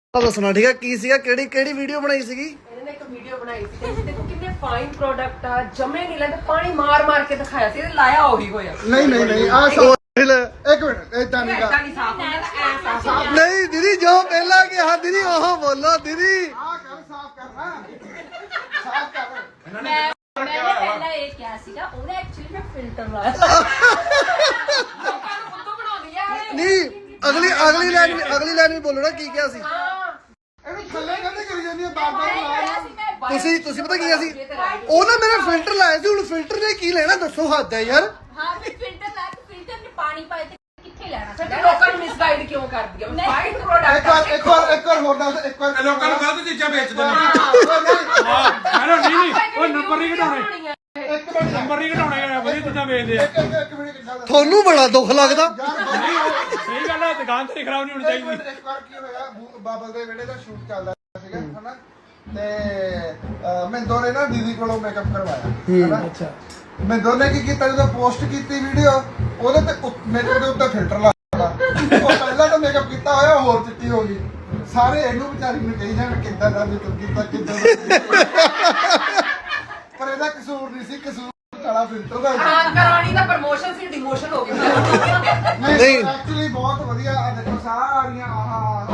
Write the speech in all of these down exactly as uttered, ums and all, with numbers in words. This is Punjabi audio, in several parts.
ਦੱਸਣਾ ਠੀਕ ਹੈ ਕੀ ਸੀਗਾ ਕਿਹੜੀ ਕਿਹੜੀ ਵੀਡੀਓ ਬਣਾਈ ਸੀਗੀ ਇਹਨੇ ਇੱਕ ਵੀਡੀਓ ਬਣਾਈ ਸੀ ਤੇ ਦੇਖੋ ਕਿੰਨੇ ਫਾਈਨ ਪ੍ਰੋਡਕਟ ਆ ਜਮੇ ਨਹੀਂ ਲੈਂਦੇ ਪਾਣੀ ਮਾਰ ਮਾਰ ਕੇ ਦਿਖਾਇਆ ਸੀ ਇਹ ਲਾਇਆ ਉਹੀ ਹੋਇਆ ਨਹੀਂ ਨਹੀਂ ਨਹੀਂ ਆ ਇੱਕ ਮਿੰਟ ਇਦਾਂ ਨਹੀਂ ਇਦਾਂ ਨਹੀਂ ਸਾਫ ਹੁੰਦਾ ਤਾਂ ਐ ਸਾਫ ਨਹੀਂ ਦੀਦੀ ਜੋ ਪਹਿਲਾਂ ਕਿਹਾ ਦੀਦੀ ਉਹ ਬੋਲੋ ਦੀਦੀ ਆ ਕਰ ਸਾਫ਼ ਕਰਨਾ ਸਾਫ਼ ਕਰ ਮੈਂ ਮੈਂ ਪਹਿਲਾਂ ਇਹ ਕਿਹਾ ਸੀਗਾ ਉਹਨੇ ਐਕਚੁਅਲੀ ਮੈਂ ਫਿਲਟਰ ਲਾਇਆ ਲੋਕਾਂ ਨੂੰ ਬੁੱਧੂ ਬਣਾਉਂਦੀ ਆ ਇਹ ਨਹੀਂ ਅਗਲੀ ਅਗਲੀ ਲਾਈਨ ਵੀ ਅਗਲੀ ਲਾਈਨ ਵੀ ਬੋਲੋ ਨਾ ਕੀ ਕਿਹਾ ਸੀ ਹਾਂ ਇਹਨੂੰ ਥੱਲੇ ਕਹਿੰਦੇ ਕਰੀ ਜਾਂਦੀ ਆ ਬਾਰ ਬਾਰ ਤੁਸੀਂ ਤੁਸੀਂ ਪਤਾ ਕੀ ਕਿਹਾ ਸੀ ਉਹ ਨਾ ਮੇਰਾ ਫਿਲਟਰ ਲਾਇਆ ਸੀ ਹੁਣ ਫਿਲਟਰ ਨੇ ਕੀ ਲੈਣਾ ਦੱਸੋ ਹੱਦ ਹੈ ਯਾਰ ਹਾਂ ਫਿਰ ਫਿਲਟਰ ਲਾ ਕੇ ਫਿਲਟਰ ਨੇ ਪਾਣੀ ਪਾਏ ਤੇ ਕਿੱਥੇ ਲੈਣਾ ਫਿਰ ਤੂੰ ਲੋਕਾਂ ਨੂੰ ਮਿਸਗਾਈਡ ਕਿਉਂ ਕਰਦੀ ਆ ਫਾਈਨ ਇੱਕ ਪ੍ਰੋਡਕਟ ਵਾਰ ਇੱਕ ਵਾਰ ਇੱਕ ਵਾਰ ਹੋਰ ਦੱਸ ਇੱਕ ਵਾਰ ਲੋਕਾਂ ਨੂੰ ਗਲਤ ਚੀਜ਼ਾਂ ਵੇਚਦੇ ਨੇ ਹਾਂ ਹੈਲੋ ਨਹੀਂ ਨਹੀਂ ਉਹ ਨੰਬਰ ਨਹੀਂ ਘਟਾਉਣੇ ਇੱਕ ਮਿੰਟ ਨੰਬਰ ਨਹੀਂ ਘਟਾਉਣੇ ਵਧੀਆ ਚੀਜ਼ਾਂ ਵੇਚਦੇ ਆ ਇੱਕ ਇੱਕ ਮਿੰਟ ਕਿੱਦਾਂ ਦੱਸ ਤੁਹਾਨੂੰ ਬੜਾ ਦੁੱਖ ਲੱਗਦਾ ਨਹੀਂ ਉਹ ਸਹੀ ਗੱਲ ਹੈ ਦੁਕਾਨ ਤੇ ਖਰਾਬ ਨਹੀਂ ਹੋਣੀ ਇੱਕ ਚਾਹੀਦੀ ਮਿੰਟ, ਇੱਕ ਵਾਰ ਕੀ ਹੋਇਆ ਬੂ- ਬਾਬਲ ਦੇ ਵਿਹੜੇ ਦਾ ਸ਼ੂਟ ਚੱਲਦਾ ਸੀਗਾ ਹਨਾ ਤੇ ਮੈਂ ਦੋਨੇ ਨਾ ਦੀਦੀ ਕੋਲੋਂ ਮੇਕਅਪ ਕਰਵਾਇਆ ਹਨਾ ਅੱਛਾ ਮੈਂ ਦੋਨੇ ਕੀ ਕੀਤਾ ਜਦੋਂ ਪੋਸਟ ਕੀਤੀ ਵੀਡੀਓ ਉਹਦੇ ਤੇ ਉੱਤ- ਮੇਰੇ ਦੇ ਉੱਤੇ ਫਿਲਟਰ ਲਾਤਾ ਉਹ ਪਹਿਲਾਂ ਤਾਂ ਮੇਕਅਪ ਕੀਤਾ ਹੋਇਆ ਹੋਰ ਚਿੱਟੀ ਹੋ ਗਈ ਸਾਰੇ ਇਹਨੂੰ ਵਿਚਾਰੀ ਨੂੰ ਕਹੀ ਜਾਣ ਕਿੱਦਾਂ ਦਾ ਮੇਕਅਪ ਕੀਤਾ ਕਿੱਦਾਂ ਦਾ ਪਰ ਇਹਦਾ ਕਸੂਰ ਨਹੀਂ ਸੀ ਕਸੂਰ ਕਾਲਾ ਫਿਲਟਰ ਦਾ ਸੀ। ਹਾਂ ਕਰਾਣੀ ਦਾ ਪ੍ਰਮੋਸ਼ਨ ਸੀ ਡਿਮੋਸ਼ਨ ਹੋ ਗਿਆ ਨਹੀਂ ਐਕਚੁਅਲੀ ਬਹੁਤ ਵਧੀਆ ਆ ਦੇਖੋ ਸਾਰੀਆਂ ਆਹ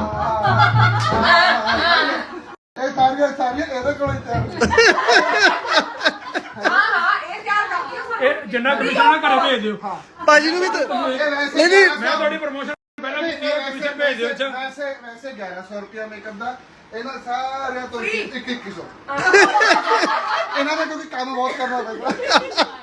ਇਹ ਸਾਰੀਆਂ ਸਾਰੀਆਂ ਇਹਦੇ ਕੋਲ ਹੀ ਤਿਆਰ ਹਾਂ ਹਾਂ ਇਹ ਤਿਆਰ ਕਰਦੀ ਆ ਇਹ ਜਿੰਨਾ ਕਮਿਸ਼ਨ ਨਾ ਘਰੇ ਭੇਜ ਦਿਓ ਭਾਜੀ ਨੂੰ ਵੀ ਤਾਂ- ਇਹ ਵੈਸੇ ਨਹੀਂ, ਨਹੀਂ, ਮੈਂ ਤੁਹਾਡੀ ਪ੍ਰਮੋਸ਼ਨ ਪਹਿਲਾਂ ਕੀਤੀ ਹੈ ਕਮਿਸ਼ਨ ਭੇਜ ਦਿਓ ਅੱਛਾ ਵੈਸੇ ਵੈਸੇ ਗਿਆਰਾਂ ਸੌ ਰੁਪਿਆ ਮੇਕਅਪ ਦਾ ਇਹਨਾਂ ਸਾਰਿਆਂ ਤੋਂ ਇੱਕ ਇੱਕ ਸੌ ਇਹਨਾਂ ਦਾ ਕਿਉਂਕਿ ਕੰਮ ਬਹੁਤ ਕਰਨਾ ਪੈਂਦਾ